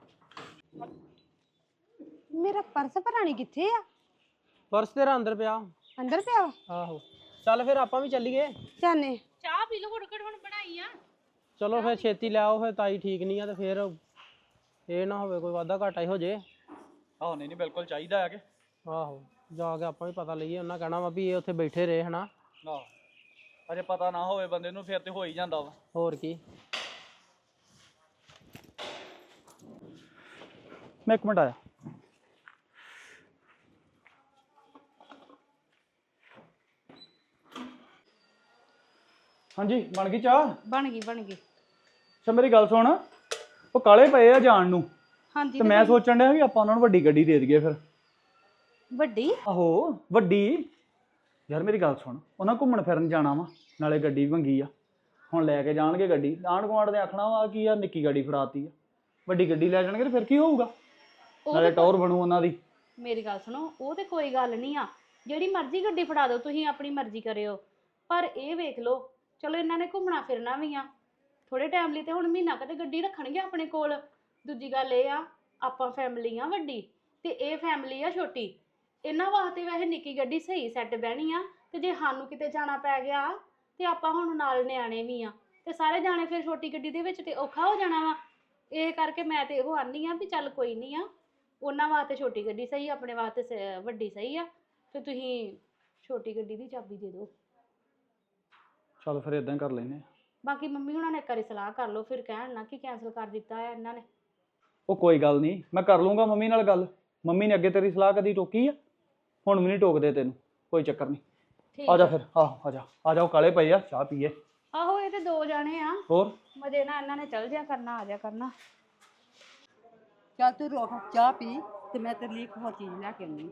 ਮੇਰਾ ਪਰਸ ਭਰਾਣੀ ਕਿੱਥੇ ਆ?
ਪਰਸ ਤੇਰਾ ਅੰਦਰ ਪਿਆ।
ਅੰਦਰ ਪਿਆ ਵਾ?
ਆਹੋ ਚੱਲ ਫਿਰ ਆਪਾਂ ਵੀ ਚੱਲੀਏ।
ਜਾਨੇ
ਚਾਹ ਪੀ ਲਓ, ਘੁੱਟ ਘੁੱਟ ਹੁਣ ਬਣਾਈ ਆ।
ਚਲੋ ਫਿਰ ਛੇਤੀ ਲੈ ਆਓ, ਫਿਰ ਤਾਈ ਠੀਕ ਨਹੀਂ ਆ ਤੇ ਫਿਰ ਇਹ ਨਾ ਹੋਵੇ ਕੋਈ ਵਾਧਾ ਘਾਟਾ ਹੀ ਹੋ ਜੇ।
ਆਹੋ ਨਹੀਂ ਨਹੀਂ ਬਿਲਕੁਲ ਚਾਹੀਦਾ ਹੈ ਕਿ।
ਆਹੋ ਜਾ ਕੇ ਆਪਾਂ ਵੀ ਪਤਾ ਲਈਏ, ਉਹਨਾਂ ਕਹਿਣਾ ਵਾ ਵੀ ਇਹ ਉੱਥੇ ਬੈਠੇ ਰਹੇ ਹਨਾ।
ਆਹੋ ਅਜੇ ਪਤਾ ਨਾ ਹੋਵੇ ਬੰਦੇ ਨੂੰ, ਫਿਰ ਤੇ ਹੋ ਹੀ ਜਾਂਦਾ ਵਾ।
ਹੋਰ ਕੀ।
ਮੈਂ ਇੱਕ ਮਿੰਟ ਆਇਆ। ਹਾਂਜੀ ਬਣ ਗਈ ਚਾਹ?
ਬਣ ਗਈ ਬਣ ਗਈ।
ਅੱਛਾ ਮੇਰੀ ਗੱਲ ਸੁਣ, ਉਹ ਕਾਲੇ ਪਏ ਆ ਜਾਣ ਨੂੰ,
ਹਾਂਜੀ
ਤੇ ਮੈਂ ਸੋਚਣ ਡਿਆ ਵੀ ਆਪਾਂ ਉਹਨਾਂ ਨੂੰ ਵੱਡੀ ਗੱਡੀ ਦੇ ਦਈਏ ਫਿਰ।
ਵੱਡੀ?
ਆਹੋ ਵੱਡੀ। ਯਾਰ ਮੇਰੀ ਗੱਲ ਸੁਣ, ਉਹਨਾਂ ਘੁੰਮਣ ਫਿਰਨ ਜਾਣਾ ਵਾ, ਨਾਲੇ ਗੱਡੀ ਵੀ ਮੰਗੀ ਆ, ਹੁਣ ਲੈ ਕੇ ਜਾਣਗੇ ਗੱਡੀ। ਆਂਢ ਗੁਆਂਢ ਦੇ ਆਖਣਾ ਵਾ ਕੀ ਆ ਨਿੱਕੀ ਗੱਡੀ ਫੜਾਤੀ ਆ, ਵੱਡੀ ਗੱਡੀ ਲੈ ਜਾਣਗੇ ਤੇ ਫਿਰ ਕੀ ਹੋਊਗਾ, ਨਾਲੇ ਟੌਰ ਬਣੂ ਉਹਨਾਂ ਦੀ।
ਮੇਰੀ ਗੱਲ ਸੁਣੋ, ਉਹ ਤੇ ਕੋਈ ਗੱਲ ਨਹੀਂ ਆ, ਜਿਹੜੀ ਮਰਜ਼ੀ ਗੱਡੀ ਫੜਾ ਦਿਓ ਤੁਸੀਂ, ਆਪਣੀ ਮਰਜ਼ੀ ਕਰਿਓ। ਪਰ ਇਹ ਵੇਖ ਲਓ, ਚਲੋ ਇਹਨਾਂ ਨੇ ਘੁੰਮਣਾ ਫਿਰਨਾ ਵੀ ਆ ਥੋੜੇ ਟਾਈਮ ਲਈ, ਤੇ ਹੁਣ ਮਹੀਨਾ ਕਦੇ ਗੱਡੀ ਰੱਖਣਗੇ ਆਪਣੇ ਕੋਲ। ਦੂਜੀ ਗੱਲ ਇਹ ਆ, ਆਪਾਂ ਫੈਮਿਲੀ ਆ ਵੱਡੀ ਤੇ ਇਹ ਫੈਮਿਲੀ ਆ ਛੋਟੀ, ਇਹਨਾਂ ਵਾਸਤੇ ਵੈਸੇ ਨਿੱਕੀ ਗੱਡੀ ਸਹੀ ਸੈੱਟ ਬਹਿਣੀ ਆ। ਤੇ ਜੇ ਸਾਨੂੰ ਕਿਤੇ ਜਾਣਾ ਪੈ ਗਿਆ ਤੇ ਆਪਾਂ ਹੁਣ ਨਾਲ ਨਿਆਣੇ ਵੀ ਆ, ਤੇ ਸਾਰੇ ਜਾਣੇ ਫਿਰ ਛੋਟੀ ਗੱਡੀ ਦੇ ਵਿੱਚ ਤੇ ਔਖਾ ਹੋ ਜਾਣਾ ਵਾ। ਇਹ ਕਰਕੇ ਮੈਂ ਤੇ ਇਹੋ ਆਨੀ ਆ ਵੀ ਚੱਲ ਕੋਈ ਨਹੀਂ ਆ, ਉਹਨਾਂ ਵਾਸਤੇ ਛੋਟੀ ਗੱਡੀ ਸਹੀ, ਆਪਣੇ ਵਾਸਤੇ ਸ- ਵੱਡੀ ਸਹੀ ਆ। ਤੇ ਤੁਸੀਂ ਛੋਟੀ ਗੱਡੀ ਦੀ ਚਾਬੀ ਦੇ ਦਿਓ।
ਚੱਲ ਫਿਰ ਇਦਾਂ ਕਰ ਲੈਨੇ।
ਬਾਕੀ ਮੰਮੀ ਹੁਣਾਂ ਨੇ ਇੱਕ ਵਾਰੀ ਸਲਾਹ ਕਰ ਲਓ, ਫਿਰ ਕਹਿਣ ਨਾ ਕਿ ਕੈਂਸਲ ਕਰ ਦਿੱਤਾ ਹੈ ਇਹਨਾਂ ਨੇ।
ਉਹ ਕੋਈ ਗੱਲ ਨਹੀਂ, ਮੈਂ ਕਰ ਲੂੰਗਾ ਮੰਮੀ ਨਾਲ ਗੱਲ। ਮੰਮੀ ਨੇ ਅੱਗੇ ਤੇਰੀ ਸਲਾਹ ਕਦੀ ਟੋਕੀ ਆ? ਹੁਣ ਵੀ ਨਹੀਂ ਟੋਕਦੇ ਤੈਨੂੰ, ਕੋਈ ਚੱਕਰ ਨਹੀਂ।
ਠੀਕ
ਆ ਜਾ ਫਿਰ, ਆਹੋ ਆ ਜਾ ਆ ਜਾਓ, ਕਾਲੇ ਪਏ ਆ, ਚਾਹ ਪੀਏ।
ਆਹੋ ਇਹ ਤੇ ਦੋ ਜਾਣੇ ਆ,
ਹੋਰ
ਮਜੇ ਨਾਲ ਇਹਨਾਂ ਨੇ ਚੱਲ ਜਿਆ ਕਰਨਾ, ਆ ਜਾ ਕਰਨਾ।
ਚੱਲ ਤੂੰ ਰੋਕ ਚਾਹ ਪੀ ਤੇ ਮੈਂ ਤੇਰੇ ਲਈ ਇੱਕ ਹੋਰ ਚੀਜ਼ ਲੈ ਕੇ ਆਉਂਦੀ।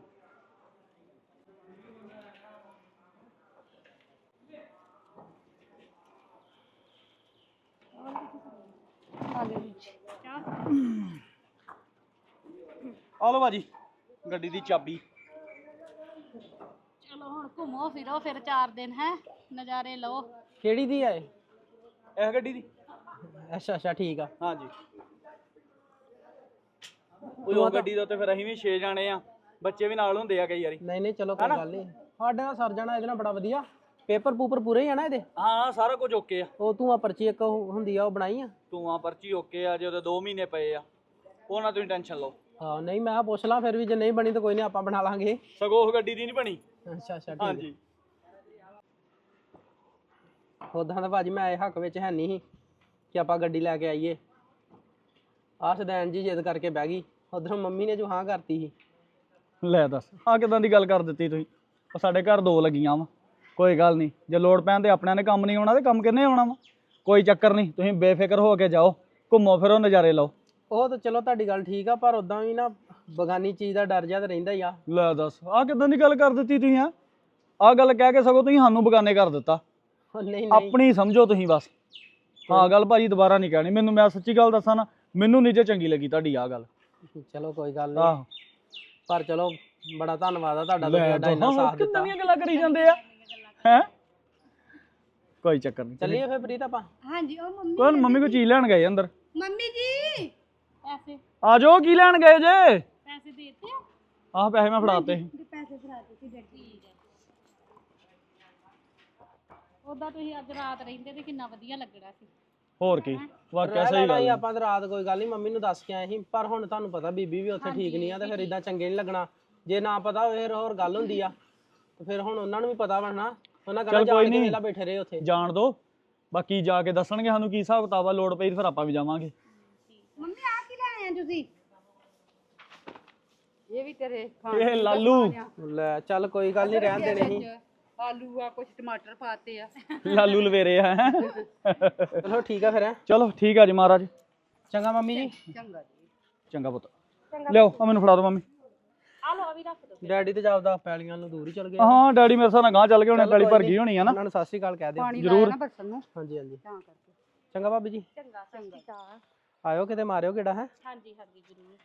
ਆ ਜਾ ਜੀ ਚਾਹ।
ਆ ਲਓ ਬਾਜੀ ਗੱਡੀ ਦੀ ਚਾਬੀ।
ਚਲੋ ਹੁਣ ਘੁੰਮੋ ਫਿਰੋ ਫਿਰ ਚਾਰ ਦਿਨ, ਹੈ ਨਜ਼ਾਰੇ ਲਓ।
ਕਿਹੜੀ ਦੀ ਆ ਇਹ?
ਇਹ ਗੱਡੀ ਦੀ?
ਅੱਛਾ ਅੱਛਾ ਠੀਕ ਆ।
ਹਾਂਜੀ ਉਹ ਗੱਡੀ ਦਾ ਤੇ ਫਿਰ ਅਸੀਂ ਵੀ ਛੇ ਜਾਣੇ ਆ, ਬੱਚੇ ਵੀ ਨਾਲ ਹੁੰਦੇ ਆ ਕਈ ਵਾਰੀ।
ਨਹੀਂ ਨਹੀਂ ਚਲੋ ਕੋਈ ਗੱਲ ਨਹੀਂ, ਸਾਡੇ ਨਾਲ ਸਰ ਜਾਣਾ ਇਹਦੇ ਨਾਲ ਬੜਾ ਵਧੀਆ। ਪੇਪਰ ਪੂਪਰ ਪੂਰੇ ਹੀ ਆ ਨਾ ਇਹਦੇ?
ਹਾਂ ਸਾਰਾ ਕੁਝ ਓਕੇ ਆ।
ਉਹ ਤੂੰ ਆ ਪਰਚੀ ਇੱਕ ਉਹ ਹੁੰਦੀ ਆ ਉਹ ਬਣਾਈ ਆ?
ਤੂੰ ਆ ਪਰਚੀ ਓਕੇ ਆ, ਜੇ ਉਹਦੇ ਦੋ ਮਹੀਨੇ ਪਏ ਆ, ਉਹ ਨਾ ਤੁਸੀਂ ਟੈਨਸ਼ਨ ਲਓ।
ਹਾਂ ਨਹੀਂ ਮੈਂ ਪੁੱਛ ਲਾਂ, ਫਿਰ ਵੀ ਜੇ ਨਹੀਂ ਬਣੀ ਤਾਂ ਕੋਈ ਨਹੀਂ ਆਪਾਂ ਬਣਾ ਲਾਂਗੇ।
ਸਗੋਂ ਉਹ ਗੱਡੀ ਦੀ ਨਹੀਂ ਬਣੀ।
ਅੱਛਾ ਅੱਛਾ ਠੀਕ।
ਹਾਂਜੀ
ਉਦਾਂ ਤਾਂ ਭਾਜੀ ਮੈਂ ਇਹ ਹੱਕ ਵਿੱਚ ਹੈ ਨਹੀਂ ਸੀ ਕਿ ਆਪਾਂ ਗੱਡੀ ਲੈ ਕੇ ਆਈਏ। ਆਹ ਸਦੈਨ ਜੀ ਜਿੱਦ ਕਰਕੇ ਬਹਿ ਗਈ, ਉਧਰੋਂ ਮੰਮੀ ਨੇ ਜੋ ਹਾਂ ਕਰਤੀ ਸੀ।
ਲੈ ਦੱਸ ਆ ਕਿਦਾਂ ਦੀ ਗੱਲ ਕਰ ਦਿੱਤੀ ਤੁਸੀਂ। ਉਹ ਸਾਡੇ ਘਰ ਦੋ ਲੱਗੀਆਂ ਵਾ, ਕੋਈ ਗੱਲ ਨਹੀਂ, ਜੇ ਲੋੜ ਪੈਣ ਤੇ ਆਪਣਿਆਂ ਨੇ ਕੰਮ ਨਹੀਂ ਆਉਣਾ ਤੇ ਕੰਮ ਕਿੰਨੇ ਆਉਣਾ ਵਾ। ਕੋਈ ਚੱਕਰ ਨਹੀਂ, ਤੁਸੀਂ ਬੇਫਿਕਰ ਹੋ ਕੇ ਜਾਓ, ਘੁੰਮੋ ਫਿਰੋ, ਨਜ਼ਾਰੇ ਲਓ।
ਉਹ ਤਾਂ ਚਲੋ ਤੁਹਾਡੀ ਗੱਲ ਠੀਕ ਆ, ਪਰ ਉਦਾਂ ਵੀ ਨਾ ਬਗਾਨੀ ਚੀਜ਼ ਦਾ ਡਰ ਜਿਹਾ ਤਾਂ ਰਹਿੰਦਾ ਹੀ ਆ।
ਲੈ ਦੱਸ ਆ ਕਿਦਾਂ ਦੀ ਗੱਲ ਕਰ ਦਿੱਤੀ ਤੁਸੀਂ। ਆ ਆ ਗੱਲ ਕਹਿ ਕੇ ਸਗੋਂ ਤੁਸੀਂ ਸਾਨੂੰ ਬਗਾਨੇ ਕਰ ਦਿੱਤਾ।
ਉਹ ਨਹੀਂ ਨਹੀਂ
ਆਪਣੀ ਸਮਝੋ ਤੁਸੀਂ ਬਸ। ਹਾਂ ਗੱਲ ਭਾਜੀ ਦੁਬਾਰਾ ਨਹੀਂ ਕਹਿਣੀ ਮੈਨੂੰ। ਮੈਂ ਸੱਚੀ ਗੱਲ ਦੱਸਾਂ ਨਾ, ਮੈਨੂੰ ਨਹੀਂ ਜੇ ਚੰਗੀ ਲੱਗੀ ਤੁਹਾਡੀ ਆ ਗੱਲ।
ਚਲੋ ਕੋਈ ਗੱਲ ਨਹੀਂ,
ਆਹੋ
ਪਰ ਚਲੋ ਬੜਾ ਧੰਨਵਾਦ ਆ ਤੁਹਾਡਾ, ਤੁਸੀਂ ਸਾਡਾ ਇੰਨਾ ਸਾਥ ਦਿੱਤਾ।
ਕਿੰਨੀਆਂ ਗੱਲਾਂ ਕਰੀ ਜਾਂਦੇ ਆ ਹੈ। ਕੋਈ ਚੱਕਰ ਨਹੀਂ,
ਚੱਲੀਏ ਫਿਰ ਪ੍ਰੀਤ ਆਪਾਂ।
ਹਾਂਜੀ ਉਹ ਮੰਮੀ
ਕੋਈ ਮੰਮੀ ਕੋ ਚੀਜ਼ ਲੈਣ ਗਏ ਅੰਦਰ।
ਮੰਮੀ ਜੀ
ਪੈਸੇ
ਆ ਜਾਓ, ਕੀ ਲੈਣ ਗਏ ਜੇ?
ਪੈਸੇ ਦੇ ਦਿੱਤੇ ਆ?
ਆਹ ਪੈਸੇ ਮੈਂ ਫੜਾਤੇ ਸੀ।
ਦੇ ਪੈਸੇ ਫੜਾ ਦਿੱਤੇ ਗੱਡੀ।
ਉਦਾਂ ਤੁਸੀਂ ਅੱਜ ਰਾਤ ਰਹਿੰਦੇ ਤੇ ਕਿੰਨਾ ਵਧੀਆ ਲੱਗਣਾ ਸੀ।
ਹੋਰ ਕੀ, ਵਾਕਿਆ
ਰਹਿ
ਸਹੀ
ਲੈਣਾ
ਗੱਲ
ਸੀ
ਹੈ।
ਆਪਾਂ ਤਾਂ ਰਾਤ, ਕੋਈ ਗੱਲ ਨਹੀਂ, ਮੰਮੀ ਨੂੰ ਦੱਸ ਕੇ ਆਏ ਸੀ। ਪਰ ਹੁਣ ਤੁਹਾਨੂੰ ਪਤਾ ਬੀਬੀ ਵੀ ਉੱਥੇ ਠੀਕ ਨਹੀਂ ਆ, ਤੇ ਫਿਰ ਇਦਾਂ ਚੰਗੇ ਨਹੀਂ ਲੱਗਣਾ। ਜੇ ਨਾ ਪਤਾ ਹੋਵੇ ਫਿਰ ਹੋਰ ਗੱਲ ਹੁੰਦੀ ਆ, ਤੇ ਫਿਰ ਹੁਣ ਉਹਨਾਂ ਨੂੰ ਵੀ ਪਤਾ ਵਾ ਨਾ, ਉਹਨਾਂ ਕਹਿੰਦਾ
ਚੱਲ ਕੋਈ
ਜਾਣ ਕੇ
ਨੀ।
ਵੇਲਾ ਬੈਠੇ ਰਹੇ ਉੱਥੇ।
ਜਾਣ ਦੋ, ਬਾਕੀ ਜਾ ਕੇ ਦੱਸਣਗੇ ਸਾਨੂੰ ਕੀ ਹਿਸਾਬ ਕਿਤਾਬ ਆ, ਲੋੜ ਪਈ ਤੇ ਫਿਰ ਆਪਾਂ ਵੀ ਜਾਵਾਂਗੇ।
ਮੰਮੀ ਆ ਕੀ ਲੈ ਆਏ ਆ ਤੁਸੀਂ?
ਇਹ ਵੀ ਤੇਰੇ ਖਾਣ
ਇਹ ਲਾਲੂ
ਲੈ ਚੱਲ ਕੋਈ ਗੱਲ ਨਹੀਂ, ਰਹਿਣ ਦੇਣੇ ਸੀ।
ਆਲੂ ਆ, ਕੁਛ ਟਮਾਟਰ ਪਾਤੇ ਆ।
ਲਾਲੂ ਲਵੇਰੇ ਆ ਹੈਂ।
ਚਲੋ ਠੀਕ ਆ ਫਿਰ ਹੈਂ।
ਚਲੋ ਠੀਕ ਆ ਜੀ ਮਹਾਰਾਜ।
ਚੰਗਾ ਮੰਮੀ ਜੀ।
ਚੰਗਾ ਜੀ।
ਚੰਗਾ ਪੁੱਤ, ਲਿਆਓ ਆ ਮੈਨੂੰ ਫੜਾ ਦਿਓ ਮੰਮੀ।
ਆ ਲੋ ਆ ਵੀ ਰੱਖ ਦੋ।
ਡੈਡੀ ਤੇ ਜਾਪਦਾ ਪੈਲੀਆਂ ਨੂੰ ਦੂਰ ਹੀ ਚਲ ਗਏ।
ਹਾਂ ਡੈਡੀ ਮੇਰੇ ਸਾਹ ਨਾਲ ਗਾਂ ਚੱਲ ਗਏ ਹੋਣੇ, ਪੈਲੀ ਭਰ ਗਈ ਹੋਣੀ ਆ ਨਾ।
ਉਹਨਾਂ ਨੂੰ ਸਤਿ ਸ਼੍ਰੀ ਅਕਾਲ ਕਹਿ ਦਿਓ।
ਪਾਣੀ
ਜ਼ਰੂਰ।
ਲਾਇਆ ਨਾ ਬਰਤਨ ਨੂੰ
ਹਾਂਜੀ ਹਾਂਜੀ
ਤਾਂ ਕਰਕੇ।
ਚੰਗਾ ਭਾਬੀ ਜੀ।
ਚੰਗਾ ਚੰਗਾ।
ਆਇਓ ਕਿਤੇ ਮਾਰਿਓ ਕਿਹੜਾ ਹੈ।
ਹਾਂਜੀ ਹਾਂਜੀ ਜ਼ਰੂਰ।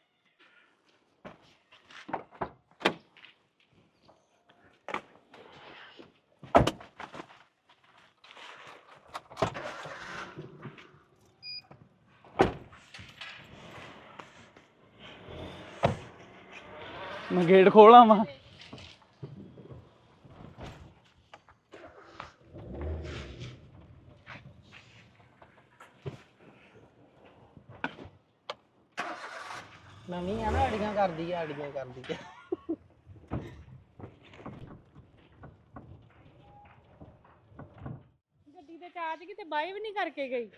ਮੈਂ ਗੇਟ ਖੋਲਾਂ ਵਾ।
ਨਵੀਂ ਆ ਨਾ, ਅੜੀਆਂ ਕਰਦੀ ਆ, ਅੜੀਆਂ ਕਰਦੀ ਆ।
ਗੱਡੀ ਦੇ ਚਾਰਜ ਕਿਤੇ ਬਾਈ ਵੀ ਨਹੀਂ ਕਰਕੇ ਗਈ।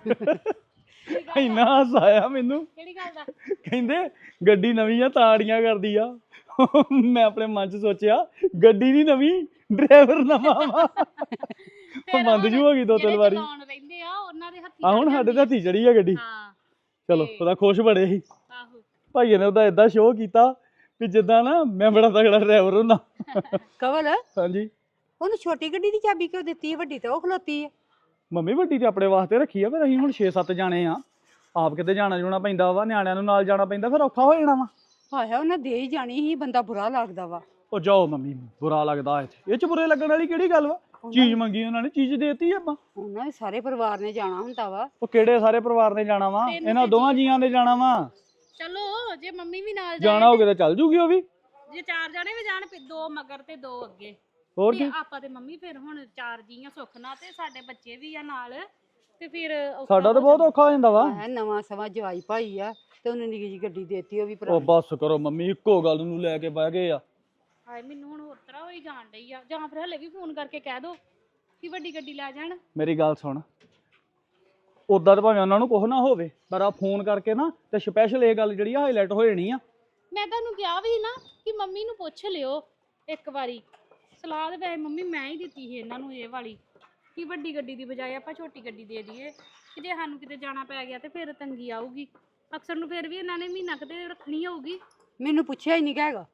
ਇੰਨਾ ਹਾਸਾ ਆਇਆ ਮੈਨੂੰ।
ਕਿਹੜੀ ਗੱਲ ਦਾ?
ਕਹਿੰਦੇ ਗੱਡੀ ਨਵੀਂ ਆ ਤਾਂ ਅੜੀਆਂ ਕਰਦੀ ਆ। ਮੈਂ ਆਪਣੇ ਮਨ ਚ ਸੋਚਿਆ ਗੱਡੀ ਨਹੀਂ ਨਵੀਂ, ਡਰਾਈਵਰ ਨਵਾਂ ਵਾ। ਉਹ ਬੰਦ ਜੂ ਹੋ ਗਈ ਦੋ ਤਿੰਨ ਵਾਰੀ।
ਚਲਾਉਣ ਰਹਿੰਦੇ ਆ ਉਹਨਾਂ ਦੇ ਹੱਥੀ।
ਆ ਹੁਣ ਸਾਡੇ ਤੇ ਹੱਥੀ ਚੜੀ ਆ ਗੱਡੀ।
ਹਾਂ
ਚਲੋ ਉਹਦਾ ਖੁਸ਼ ਬੜੇ ਸੀ
ਆਹੋ।
ਭਾਈਏ ਨੇ ਉਹਦਾ ਏਦਾਂ ਸ਼ੋਅ ਕੀਤਾ ਵੀ ਜਿੱਦਾਂ ਨਾ ਮੈਂ ਬੜਾ ਤਗੜਾ ਡਰਾਈਵਰ ਹੁੰਦਾ।
ਕਵਲ,
ਹਾਂਜੀ
ਉਹਨੂੰ ਛੋਟੀ ਗੱਡੀ ਦੀ ਚਾਬੀ ਕਿਉਂ ਦਿੱਤੀ ਹੈ? ਵੱਡੀ ਤਾਂ ਉਹ ਖਲੋਤੀ ਹੈ।
ਮੰਮੀ ਵੱਡੀ ਤੇ ਆਪਣੇ ਵਾਸਤੇ ਰੱਖੀ ਆ, ਫਿਰ ਅਸੀਂ ਹੁਣ ਛੇ ਸੱਤ ਜਾਣੇ ਆ, ਆਪ ਕਿਤੇ ਜਾਣਾ ਜੂਣਾ ਪੈਂਦਾ ਵਾ, ਨਿਆਣਿਆਂ ਨੂੰ ਨਾਲ ਜਾਣਾ ਪੈਂਦਾ, ਫਿਰ ਔਖਾ ਹੋ ਜਾਣਾ ਵਾ।
ਹਾਇਆ ਉਹਨਾਂ ਦੇ ਹੀ ਜਾਣੀ ਸੀ, ਬੰਦਾ ਬੁਰਾ ਲੱਗਦਾ ਵਾ।
ਉਹ ਜਾਓ ਮੰਮੀ, ਬੁਰਾ ਲੱਗਦਾ ਇੱਥੇ, ਇਹ ਚ ਬੁਰੇ ਲੱਗਣ ਵਾਲੀ ਕਿਹੜੀ ਗੱਲ ਵਾ? ਚੀਜ਼ ਮੰਗੀ ਉਹਨਾਂ ਨੇ, ਚੀਜ਼ ਦੇਤੀ ਆਪਾਂ।
ਉਹਨਾਂ ਦੇ ਸਾਰੇ ਪਰਿਵਾਰ ਨੇ ਜਾਣਾ ਹੁੰਦਾ ਵਾ।
ਉਹ ਕਿਹੜੇ ਸਾਰੇ ਪਰਿਵਾਰ ਨੇ ਜਾਣਾ ਵਾ? ਇਹਨਾਂ ਦੋਵਾਂ ਜੀਆਂ ਨੇ ਜਾਣਾ ਵਾ।
ਚਲੋ ਜੇ ਮੰਮੀ ਵੀ ਨਾਲ
ਜਾਣਾ ਹੋਵੇ ਤਾਂ ਚੱਲ ਜੂਗੀ ਉਹ ਵੀ।
ਜੇ ਚਾਰ ਜਾਣੇ ਵੀ ਜਾਣ, ਫਿਰ ਦੋ ਮਗਰ ਤੇ ਦੋ ਅੱਗੇ।
ਹੋਰ
ਤੇ
ਕੀ,
ਆਪਾਂ ਤੇ ਮੰਮੀ ਫਿਰ ਹੁਣ ਚਾਰ ਜੀਆਂ ਸੁੱਖ ਨਾਲ, ਤੇ ਸਾਡੇ ਬੱਚੇ ਵੀ ਆ ਨਾਲ, ਤੇ ਫਿਰ ਔਖਾ
ਸਾਡਾ ਤਾਂ
ਹੋ
ਬਹੁਤ ਔਖਾ ਹੋ ਜਾਂਦਾ ਵਾ।
ਹੈ ਨਵਾਂ ਸਵਾ ਜਵਾਈ ਭਾਈ ਆ ਤੇ ਉਹਨੇ ਨਿੱਕੀ ਜਿਹੀ ਗੱਡੀ ਦੇਤੀ, ਉਹ ਵੀ
ਉਹ
ਪੁਰਾਣੀ।
ਬਸ ਕਰੋ ਮੰਮੀ, ਇੱਕੋ ਗੱਲ ਨੂੰ ਲੈ ਕੇ ਬਹਿ ਗਏ ਆ।
ਹਾਏ ਮੈਨੂੰ ਹੁਣ ਹੋਰ ਤਰ੍ਹਾਂ ਹੋਈ ਜਾਣ ਡਈ ਆ। ਜਾਂ ਫਿਰ ਹਲੇ ਵੀ ਫੋਨ ਕਰਕੇ ਕਹਿ ਦੋ ਕਿ ਵੱਡੀ ਗੱਡੀ ਲੈ ਜਾਣ।
ਮੇਰੀ ਗੱਲ ਸੁਣ, ਉਦਾਂ ਤਾਂ ਭਾਵੇਂ ਉਹਨਾਂ ਨੂੰ ਕੁਝ ਨਾ ਹੋਵੇ, ਪਰ ਆ ਫੋਨ ਕਰਕੇ ਨਾ ਤੇ ਸਪੈਸ਼ਲ ਇਹ ਗੱਲ ਜਿਹੜੀ ਆ ਹਾਈਲਾਈਟ ਹੋ ਜਾਣੀ ਆ।
ਮੈਂ ਤੁਹਾਨੂੰ ਕਿਹਾ ਵੀ ਨਾ ਕਿ ਮੰਮੀ ਨੂੰ ਪੁੱਛ ਲਿਓ ਇੱਕ ਵਾਰੀ। ਸਲਾਹ ਤੇ ਵੈਸੇ ਮੰਮੀ ਮੈਂ ਹੀ ਦਿੱਤੀ ਸੀ ਇਹਨਾਂ ਨੂੰ ਇਹ ਵਾਲੀ, ਕਿ ਵੱਡੀ ਗੱਡੀ ਦੀ ਬਜਾਏ ਆਪਾਂ ਛੋਟੀ ਗੱਡੀ ਦੇ ਦਈਏ, ਕਿ ਜੇ ਸਾਨੂੰ ਕਿਤੇ ਜਾਣਾ ਪੈ ਗਿਆ ਤੇ ਫਿਰ ਤੰਗੀ ਆਊਗੀ। ਅਕਸਰ ਨੂੰ ਫਿਰ ਵੀ ਇਹਨਾਂ ਨੇ ਮਹੀਨਾ ਕਿਤੇ ਰੱਖਣੀ ਹੋਊਗੀ।
ਮੈਨੂੰ ਪੁੱਛਿਆ ਹੀ ਨਹੀਂ ਹੈਗਾ।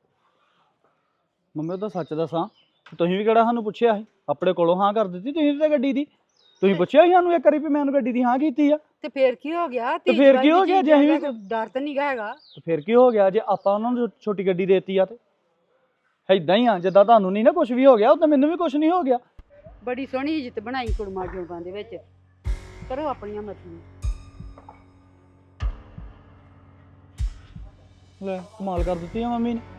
ਮੰਮੀ ਉਹਦਾ ਸੱਚ ਦੱਸਾਂ, ਤੁਸੀਂ ਵੀ ਕਿਹੜਾ ਸਾਨੂੰ ਪੁੱਛਿਆ ਸੀ? ਆਪਣੇ ਕੋਲੋਂ ਹਾਂ ਕਰ ਦਿੱਤੀ ਤੁਸੀਂ ਤਾਂ ਗੱਡੀ ਦੀ। ਤੁਸੀਂ ਪੁੱਛਿਆ ਸੀ ਸਾਨੂੰ ਇੱਕ ਵਾਰੀ ਵੀ ਮੈਂ ਉਹਨੂੰ ਗੱਡੀ ਦੀ ਹਾਂ ਕੀਤੀ ਆ?
ਤੇ ਫੇਰ ਕੀ ਹੋ ਗਿਆ?
ਤੇ ਫੇਰ ਕੀ ਹੋ ਗਿਆ ਜੇ ਅਸੀਂ ਵੀ-
ਡਰ ਤਾਂ ਨਹੀਂ ਹੈਗਾ।
ਤੇ ਫਿਰ ਕੀ ਹੋ ਗਿਆ ਜੇ ਆਪਾਂ ਉਹਨਾਂ ਨੂੰ ਛੋਟੀ ਗੱਡੀ ਦੇਤੀ ਆ? ਤੇ ਏਦਾਂ ਹੀ ਆ, ਜਿੱਦਾਂ ਤੁਹਾਨੂੰ ਨਹੀਂ ਨਾ ਕੁਝ ਵੀ ਹੋ ਗਿਆ, ਉਦਾਂ ਮੈਨੂੰ ਵੀ ਕੁਝ ਨਹੀਂ ਹੋ ਗਿਆ।
ਬੜੀ ਸੋਹਣੀ ਇੱਜ਼ਤ ਬਣਾਈ ਕੁੜਮਾ ਜੋਗਾਂ ਦੇ ਵਿੱਚ। ਕਰੋ ਆਪਣੀਆਂ ਮਰਜ਼ੀਆਂ।
ਲੈ ਕਮਾਲ ਕਰ ਦਿੱਤੀ ਆ ਮੰਮੀ ਨੇ।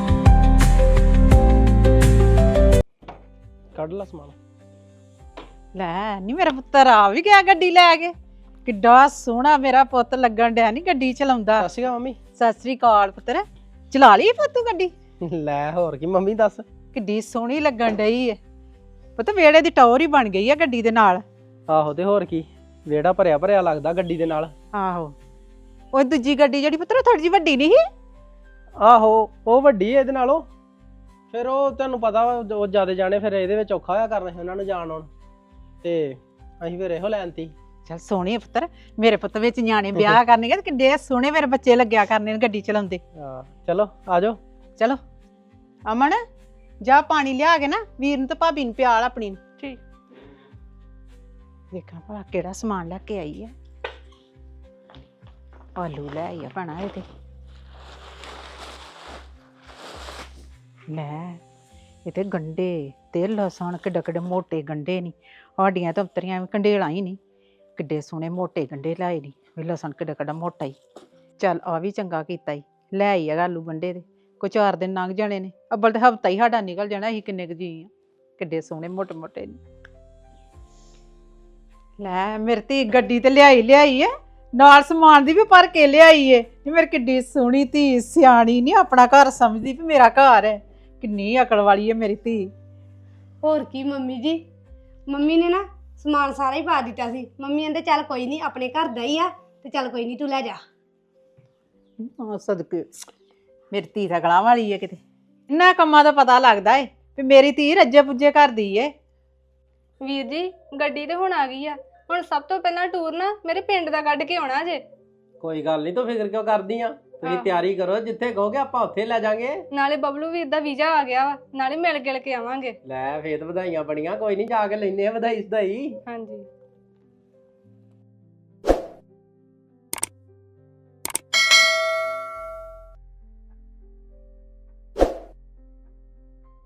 ਕੱਢ ਲਾ ਸਮਾਨ।
ਲੈ ਨਹੀਂ ਮੇਰਾ ਪੁੱਤਰ ਆ ਵੀ ਗਿਆ ਗੱਡੀ ਲੈ ਕੇ। ਕਿੱਡਾ ਸੋਹਣਾ ਮੇਰਾ ਪੁੱਤ ਲੱਗਣ ਡਿਆ ਨਹੀਂ ਗੱਡੀ ਚਲਾਉਂਦਾ।
ਸਤਿ ਸ਼੍ਰੀ ਅਕਾਲ ਮੰਮੀ।
ਸਤਿ ਸ੍ਰੀ ਅਕਾਲ ਪੁੱਤਰ। ਚਲਾ ਲਈ ਪੁੱਤ ਤੂੰ ਗੱਡੀ?
ਲੈ ਹੋਰ ਕੀ ਮੰਮੀ ਦੱਸ।
ਕਿੱਡੀ ਸੋਹਣੀ ਲੱਗਣ ਡਈ ਏ ਪੁੱਤ, ਵਿਹੜੇ ਦੀ ਟੌਰ ਹੀ ਬਣ ਗਈ ਆ ਗੱਡੀ ਦੇ ਨਾਲ।
ਆਹੋ ਤੇ ਹੋਰ ਕੀ, ਵਿਹੜਾ ਭਰਿਆ ਭਰਿਆ ਲੱਗਦਾ ਗੱਡੀ ਦੇ ਨਾਲ।
ਆਹੋ ਉਹ ਦੂਜੀ ਗੱਡੀ ਜਿਹੜੀ ਪੁੱਤਰ ਥੋੜੀ ਜਿਹੀ ਵੱਡੀ ਨਹੀਂ ਸੀ?
ਆਹੋ ਉਹ ਵੱਡੀ ਹੈ ਇਹਦੇ ਨਾਲੋਂ, ਫਿਰ ਉਹ ਤੁਹਾਨੂੰ ਪਤਾ ਵਾ ਉਹ ਜਿਆਦਾ ਜਾਣੇ ਫਿਰ ਇਹਦੇ ਵਿੱਚ ਔਖਾ ਹੋਇਆ ਕਰਨਾ ਸੀ ਉਹਨਾਂ ਨੂੰ ਜਾਣ ਆਉਣ, ਤੇ ਅਸੀਂ ਫਿਰ ਇਹੋ ਲੈਣ ਤੀ।
ਚੱਲ ਸੋਹਣੀ ਆ ਪੁੱਤਰ, ਮੇਰੇ ਪੁੱਤ ਵਿੱਚ ਨਿਆਣੇ ਵਿਆਹ ਕਰਨਗੇ ਤੇ ਕਿੱਡੇ ਸੋਹਣੇ ਮੇਰੇ ਬੱਚੇ ਲੱਗਿਆ ਕਰਨੇ ਨੇ ਗੱਡੀ ਚਲਾਉਂਦੇ।
ਹਾਂ ਚਲੋ ਆ ਜਾਓ।
ਚਲੋ ਅਮਨ ਜਾ ਪਾਣੀ ਲਿਆ ਕੇ ਨਾ ਵੀਰ ਨੂੰ ਤੇ ਭਾਬੀ ਨੂੰ ਪਿਆਲ ਆਪਣੀ ਨੂੰ।
ਠੀਕ।
ਦੇਖਾਂ ਭਲਾ ਕਿਹੜਾ ਸਮਾਨ ਲੈ ਕੇ ਆਈ ਹੈ। ਆਲੂ ਲੈ ਆਈ ਆ ਭੈਣਾ ਇਹ ਤੇ। ਲੈ ਇਹ ਤੇ ਗੰਡੇ ਤੇ ਲਸਣ ਕਿੱਡੇ ਕਿੱਡੇ ਮੋਟੇ ਗੰਡੇ ਨਹੀਂ, ਸਾਡੀਆਂ ਤਾਂ ਉਤਰੀਆਂ ਵੀ ਕੰਡੇਲਾਂ ਹੀ ਨਹੀਂ, ਕਿੱਡੇ ਸੋਹਣੇ ਮੋਟੇ ਗੰਡੇ ਲਾਏ ਨਹੀਂ। ਵੀ ਲਸਣ ਕਿੱਡਾ ਕਿੱਡਾ ਮੋਟਾ ਹੀ। ਚੱਲ ਆ ਵੀ ਚੰਗਾ ਕੀਤਾ ਈ, ਲੈ ਆਈ ਆ ਆਲੂ ਗੰਡੇ ਦੇ। ਕੋਈ ਚਾਰ ਦਿਨ ਲੰਘ ਜਾਣੇ ਨੇ, ਅੱਬਲ ਤੇ ਹਫਤਾ ਹੀ ਸਾਡਾ ਨਿਕਲ ਜਾਣਾ। ਅਸੀਂ ਕਿੰਨੇ ਕੁ ਜੀ ਆ, ਕਿੱਡੇ ਸੋਹਣੇ ਮੋਟੇ ਮੋਟੇ ਨੇ। ਲੈ ਮੇਰੀ ਧੀ ਗੱਡੀ ਤੇ ਲਿਆਈ ਲਿਆਈ ਐ, ਨਾਲ ਸਮਾਨ ਦੀ ਵੀ ਭਰ ਕੇ ਲਿਆਈ ਏ। ਇਹ ਮੇਰੀ ਕਿੱਡੀ ਸੋਹਣੀ ਧੀ, ਸਿਆਣੀ ਨਹੀਂ ਆਪਣਾ ਘਰ ਸਮਝਦੀ ਵੀ ਮੇਰਾ ਘਰ ਹੈ। ਕਿੰਨੀ ਅਕਲ ਵਾਲੀ ਹੈ ਮੇਰੀ ਧੀ।
ਹੋਰ ਕੀ ਮੰਮੀ ਜੀ, ਮੰਮੀ ਨੇ ਨਾ ਸਮਾਨ ਸਾਰਾ ਹੀ ਪਾ ਦਿੱਤਾ ਸੀ। ਮੰਮੀ ਕਹਿੰਦੇ ਚੱਲ ਕੋਈ ਨਹੀਂ, ਆਪਣੇ ਘਰ ਦਾ ਹੀ ਆ ਤੇ ਚੱਲ ਕੋਈ ਨਹੀਂ ਤੂੰ ਲੈ ਜਾ।
ਹਾਂ ਸਦਕੇ ਮੇਰੀ ਧੀ ਤਾਂ ਗਲਾਂ ਵਾਲੀ ਹੈ ਕਿਤੇ। ਇਹਨਾਂ ਕੰਮਾਂ ਦਾ ਪਤਾ ਲੱਗਦਾ ਏ ਵੀ ਮੇਰੀ ਧੀ ਰੱਜੇ ਪੁੱਜੇ ਕਰਦੀ ਏ।
ਵੀਰ ਜੀ ਗੱਡੀ ਤੇ ਹੁਣ ਆ ਗਈ ਆ, ਹੁਣ ਸਭ ਤੋਂ ਪਹਿਲਾਂ ਟੂਰ ਨਾ ਮੇਰੇ ਪਿੰਡ ਦਾ ਕੱਢ ਕੇ ਆਉਣਾ ਜੇ।
ਕੋਈ ਗੱਲ ਨਹੀਂ, ਤੂੰ ਫਿਕਰ ਕਿਉਂ ਕਰਦੀ ਆ? ਤੁਸੀਂ
ਆਹੋ।
ਤਿਆਰੀ ਕਰੋ, ਜਿੱਥੇ ਕਹੋਗੇ ਆਪਾਂ ਉੱਥੇ ਲੈ ਜਾਾਂਗੇ।
ਨਾਲੇ ਬਬਲੂ ਵੀਰ ਦਾ ਵੀਜ਼ਾ ਆ ਗਿਆ ਵਾ, ਨਾਲੇ ਮਿਲ ਗਿਲ ਕੇ ਆਵਾਂਗੇ।
ਲੈ ਫੇਰ ਵਧਾਈਆਂ ਬੜੀਆਂ, ਕੋਈ ਨਹੀਂ ਜਾ ਕੇ ਲੈਨੇ ਆ ਵਧਾਈ ਸਦਾਈ।
ਹਾਂਜੀ